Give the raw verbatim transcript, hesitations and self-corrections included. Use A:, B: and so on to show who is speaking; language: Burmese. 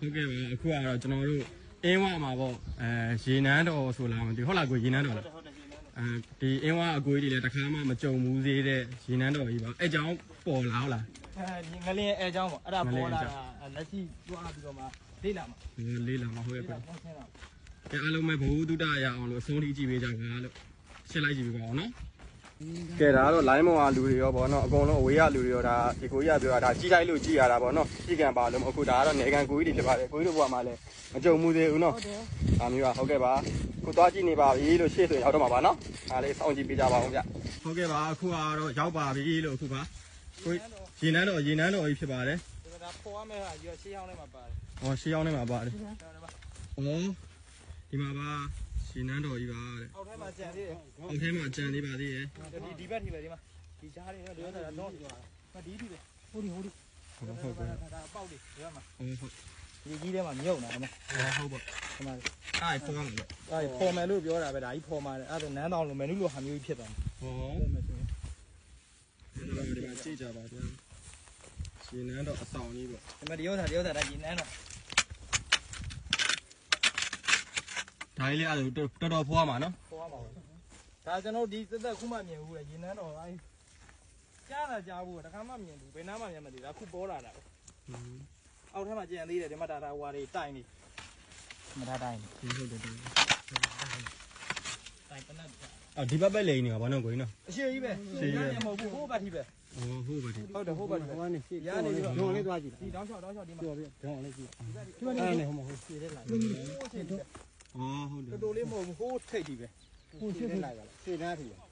A: ဟုတ်ကဲ့ပါအခုကတော့ကျွန်တော်တို့အင်းဝမှာပေါ့အဲရေနန်းတော်ဆိုလားမသိဟုတ်လားကိုရေနန်းတော်လားအဲဒီအင်းဝအကွေးတွေလည်းတစ်ခါမှမကြုံဘူးသေးတဲ့ရေနန်းတော်ကြီးပါအဲကြောင့်ပေါ်လာဟုတ်လား
B: အဲဒီငလင်းအဲကြောင့်ပေါ့အဲ့ဒါပေါ်လာတာလက်ရှိတွားပြီးတော့မှလေးလာမှာ
A: လေးလာမှာဟုတ်ရဲ့ပဲကဲအားလုံးပဲဘဝတုဒ္ဒရအောင်လို့အဆုံးထိကြည့်ပေးကြပါလို့ရှင်းလိုက်ကြည့်ပေးပါအောင်နော်ကဲဒါကတော့ line မောင်အားလူတွေရောဗောနော်အကုန်လုံးအဝေးရလူတွေရောဒါဒီကိုကြီးကပြောတာဒါကြီးတိုင်းလို့ကြည်ရတာဗောနော်ကြီးကံပါလို့အခုဒါကတော့နေကံကိုကြီးတွေဖြစ်ပါတယ်ကိုကြီးတို့ဘဝမှာလည်းမကြုံမှုသေးဘူးနော်ဒါမျိုးပါဟုတ်ကဲ့ပါခုသွားကြည့်နေပါပြီလို့ရှေ့ဆိုရောက်တော့မှာပါနော်ဒါလေးစောင့်ကြည့်ပေးကြပါအောင်ဗျဟုတ်ကဲ့ပါအခုကတော့ရောက်ပါပြီလို့အခုပါကိုရေနန်းတော်ရေနန်းတော်ကြီးဖြစ်ပါတယ်
B: ဒါပေါ်ရမယ့်ဟာကြီးရှေးအောင်ထဲမှာပါတယ်
A: ဟောရှေးအောင်ထဲမှာပါတယ်ဩဒီမှာပါရေနန်းတော်ကြီးပါတဲ့
B: အောက်ထဲမှာကြံသေးတယ်
A: အောက်ထဲမှာကြံသေးပါသေးရဲ့
B: ဒီဒီဘက်ထိပဲဒီမှာဒီကြားလေးတော့တော့တော့မဒီဒီပဲဟိုဒီဟိုဒီ
A: ဟုတ်ဟုတ်ပါ
B: ဒါအပေါက်လေးဒီဘက်မှာ
A: ဟုတ်ဟုတ်
B: ဒီကြီးထဲမှာမြုပ်နေတာအမ
A: ဟုတ်ပါ
B: ဒီမှာ
A: အဲ့ဖော်မယ်
B: အဲ့ဖော်မယ်လို့ပြောတာပဲဒါကြီးဖော်မှာတယ်အဲ့ဒါနန်းတောင်လိုမယ်နုလိုဟာမျိုးကြီးဖြစ်သွားမှာ
A: ဟောဒီမှာကြည့်ကြပါဗျာရေနန်းတော်အဆောင်ကြီးပေါ့
B: ဒီမှာဒီဥစ္စာဒီဥစ္စာဒါရေနန်းတော်
A: ဒါလေးအဲ့ဒါတော်တော်ဖွားမှာနော်
B: ဖွားမှာပါဒါကျွန်တော်ဒီသက်သက်ခုမှမြင်ဘူးလေရေနန်းတော်အဲ့ကြားတာကြားဘူးတခါမှမြင်ဘူးဘယ်နားမှမြင်မသိဒါခုပေါ်လာတာပဲအောက်ထဲမှာကြံသေးတယ်ဒီမှာဒါဒါဟွာတွေတိုင်နေမထားတိုင်
A: နေဟုတ်တယ်တိုင်
B: တိုင်ပနတ်
A: အော်ဒီဘက်ပဲလိန်နေပါဘာလို့ကိုင်းနော်
B: အရှိကြီးပဲ
A: ရှိကြီးပဲ
B: မဟုတ်ဘူးဟိုးဘက်ထိပဲ
A: อ๋อဟုတ်ပါဒီ
B: ဟုတ်တယ်ဟိုးဘက်ထိဟိုကနေရှေ့ရနေပြီးတော့
C: ဒုံလေးသွားကြည့်
B: ဒီတောင်းလျှောက်တောင်းလျှောက်ဒီမှာ
C: ပြောပြဒုံလေးကြည့်
B: ဒီမှာနေဟိုမှာဟိုရှေ့ထဲလာ
A: อ๋อဟုတ်တယ်
B: တော်တော်လေးမဟုတ်ဘူးဟိုးထိတ်ကြီးပဲ
C: ဟိုရှေ့ထဲလာကြလားရှေ့သားထီ